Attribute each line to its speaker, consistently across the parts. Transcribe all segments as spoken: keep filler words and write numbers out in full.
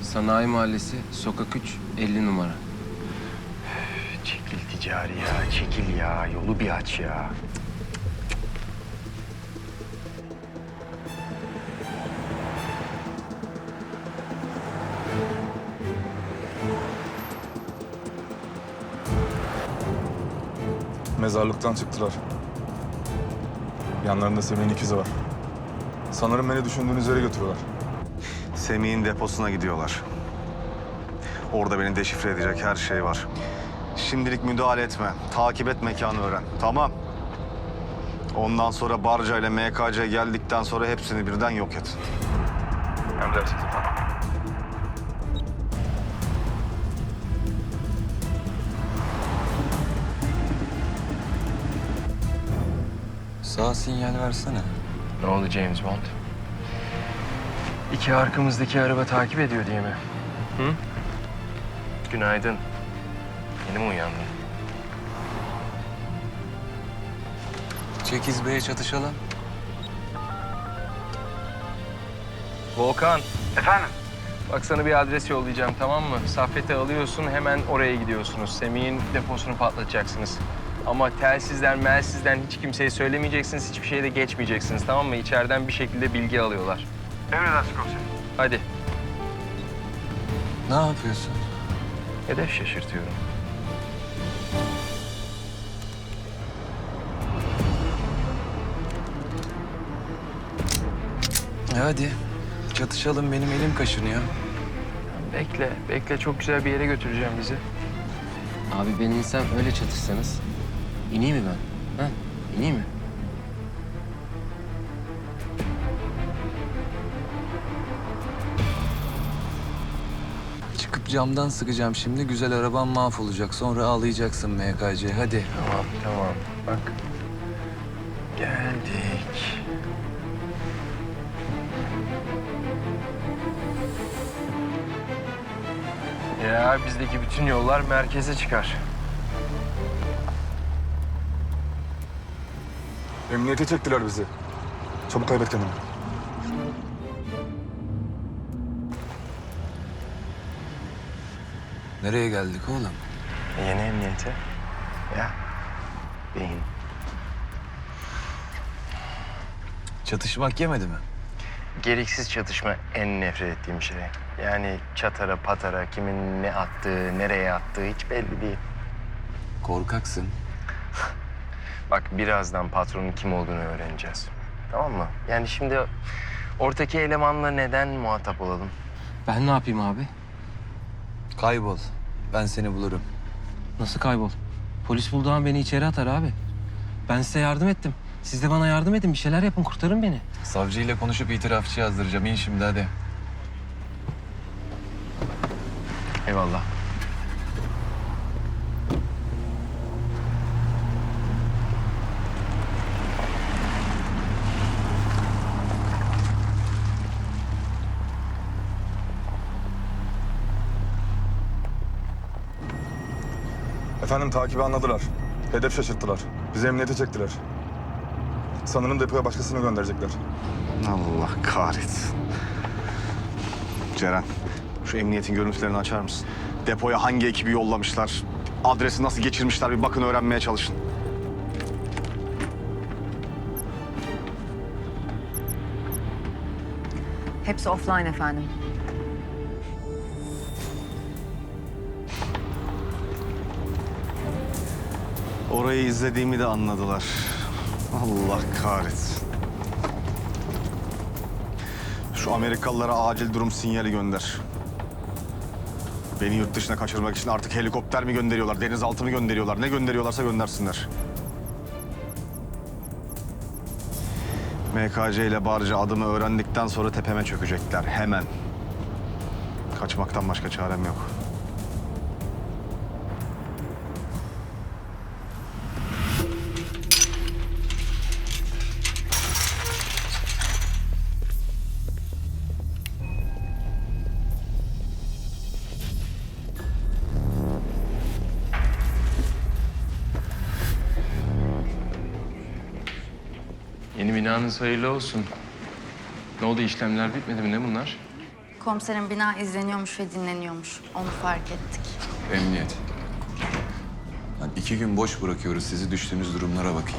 Speaker 1: Sanayi Mahallesi, sokak üç, elli numara.
Speaker 2: Çekil ticari ya, çekil ya. Yolu bir aç ya.
Speaker 3: Mezarlıktan çıktılar. Yanlarında Semih'in ikizi var. Sanırım beni düşündüğünüz yere götürüyorlar.
Speaker 4: Semih'in deposuna gidiyorlar. Orada beni deşifre edecek her şey var. Şimdilik müdahale etme. Takip et, mekanı öğren. Tamam. Ondan sonra Barca ile M K C geldikten sonra hepsini birden yok et.
Speaker 3: Emredersiniz efendim.
Speaker 5: Sağ sinyal versene.
Speaker 1: Ne oldu James Bond? İki arkamızdaki araba takip ediyor diye mi? Hı? Günaydın. Yeni mi uyandın?
Speaker 5: Çekiz Bey'e çatışalım.
Speaker 1: Volkan. Efendim? Bak sana bir adres yollayacağım, tamam mı? Saffet'i alıyorsun, hemen oraya gidiyorsunuz. Semih'in deposunu patlatacaksınız. Ama telsizden, melsizden hiç kimseye söylemeyeceksiniz, hiçbir şeye de geçmeyeceksiniz, tamam mı? İçeriden bir şekilde bilgi alıyorlar.
Speaker 2: Emredersin komiserim.
Speaker 1: Hadi.
Speaker 5: Ne yapıyorsun?
Speaker 1: Hedef şaşırtıyorum.
Speaker 5: E hadi. Çatışalım, benim elim kaşınıyor.
Speaker 1: Bekle, bekle. Çok güzel bir yere götüreceğim bizi. Abi ben insan öyle çatışsanız. İneyim mi ben? Ha? İneyim mi?
Speaker 5: Çıkıp camdan sıkacağım şimdi. Güzel araban mahvolacak. Sonra ağlayacaksın M K C. Hadi.
Speaker 1: Tamam, tamam. Bak. Geldik. Ya bizdeki bütün yollar merkeze çıkar.
Speaker 3: Emniyete çektiler bizi. Çabuk kaybet kendini.
Speaker 5: Nereye geldik oğlum?
Speaker 1: Yeni emniyete. Ya. Beyin.
Speaker 5: Çatışmak yemedi mi?
Speaker 1: Gereksiz çatışma en nefret ettiğim şey. Yani çatara patara kimin ne attığı, nereye attığı hiç belli değil.
Speaker 5: Korkaksın.
Speaker 1: Bak birazdan patronun kim olduğunu öğreneceğiz. Tamam mı? Yani şimdi ortaki elemanla neden muhatap olalım? Ben ne yapayım abi?
Speaker 5: Kaybol. Ben seni bulurum.
Speaker 6: Nasıl kaybol? Polis bulduğu an beni içeri atar abi. Ben size yardım ettim. Siz de bana yardım edin. Bir şeyler yapın. Kurtarın beni.
Speaker 5: Savcıyla konuşup itirafçı yazdıracağım. İn şimdi hadi.
Speaker 1: Eyvallah.
Speaker 3: Efendim takibi anladılar. Hedef şaşırttılar. Bizi emniyete çektiler. Sanırım depoya başkasını gönderecekler.
Speaker 4: Allah kahretsin. Ceren, şu emniyetin görüntülerini açar mısın? Depoya hangi ekibi yollamışlar? Adresi nasıl geçirmişler bir bakın, öğrenmeye çalışın.
Speaker 7: Hepsi offline efendim.
Speaker 4: Orayı izlediğimi de anladılar. Allah kahretsin. Şu Amerikalılara acil durum sinyali gönder. Beni yurt dışına kaçırmak için artık helikopter mi gönderiyorlar, denizaltı mı gönderiyorlar? Ne gönderiyorlarsa göndersinler. M K C ile Barca adımı öğrendikten sonra tepeme çökecekler hemen. Kaçmaktan başka çarem yok.
Speaker 1: Yeni binanız hayırlı olsun. Ne oldu, işlemler bitmedi mi? Ne bunlar?
Speaker 8: Komiserin bina izleniyormuş ve dinleniyormuş. Onu fark ettik.
Speaker 5: Emniyet. Lan iki gün boş bırakıyoruz sizi, düştüğünüz durumlara bakın.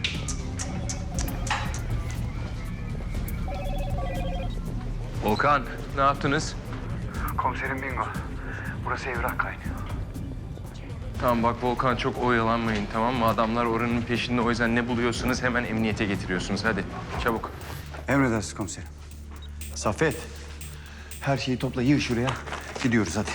Speaker 1: Volkan, ne yaptınız?
Speaker 2: Komiserim bingo. Burası evrak kaynıyor.
Speaker 1: Tamam bak Volkan, çok oyalanmayın, tamam mı? Adamlar oranın peşinde, o yüzden ne buluyorsunuz hemen emniyete getiriyorsunuz. Hadi çabuk.
Speaker 2: Emredersiniz komiserim. Saffet. Her şeyi topla yığ şuraya. Gidiyoruz hadi.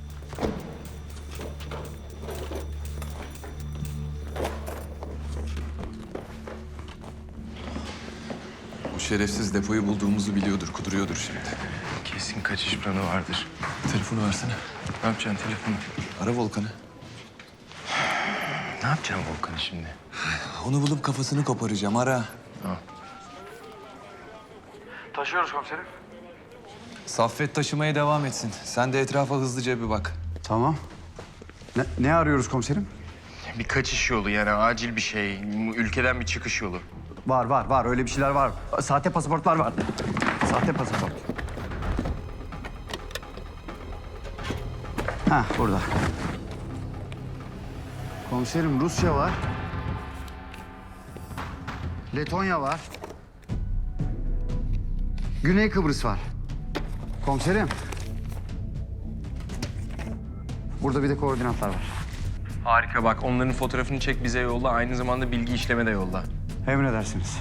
Speaker 5: O şerefsiz depoyu bulduğumuzu biliyordur, kuduruyordur şimdi.
Speaker 1: Kesin kaçış planı vardır.
Speaker 5: Telefonu versene.
Speaker 1: Ne yapacaksın telefonu?
Speaker 5: Ara Volkan'ı.
Speaker 1: Ne yapacaksın Volkan şimdi?
Speaker 5: Onu bulup kafasını koparacağım, ara.
Speaker 2: Taşıyoruz komiserim.
Speaker 5: Saffet taşımaya devam etsin. Sen de etrafa hızlıca bir bak.
Speaker 2: Tamam. Ne, ne arıyoruz komiserim?
Speaker 1: Bir kaçış yolu, yani acil bir şey. Ülkeden bir çıkış yolu.
Speaker 2: Var var var öyle bir şeyler var. Sahte pasaportlar var. Sahte pasaport. Ha burada. Komiserim Rusya var. Letonya var. Güney Kıbrıs var. Komiserim. Burada bir de koordinatlar var.
Speaker 1: Harika, bak onların fotoğrafını çek, bize yolla. Aynı zamanda bilgi işleme de yolla.
Speaker 2: Emredersiniz.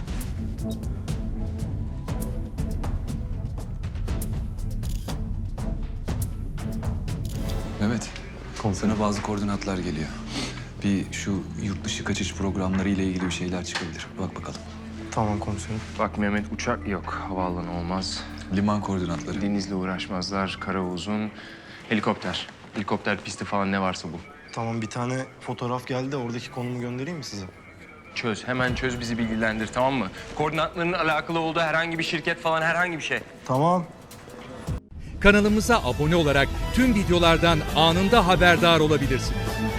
Speaker 5: Mehmet, sana bazı koordinatlar geliyor. Bir şu yurt dışı kaçış programları ile ilgili bir şeyler çıkabilir. Bak bakalım.
Speaker 1: Tamam komiserim. Bak Mehmet, uçak yok, havaalanı olmaz.
Speaker 5: Liman koordinatları.
Speaker 1: Denizle uğraşmazlar, kara uzun. Helikopter. Helikopter pisti falan ne varsa bu.
Speaker 9: Tamam, bir tane fotoğraf geldi de oradaki konumu göndereyim mi size?
Speaker 1: Çöz, hemen çöz, bizi bilgilendir, tamam mı? Koordinatların alakalı olduğu herhangi bir şirket falan, herhangi bir şey.
Speaker 9: Tamam.
Speaker 10: Kanalımıza abone olarak tüm videolardan anında haberdar olabilirsiniz.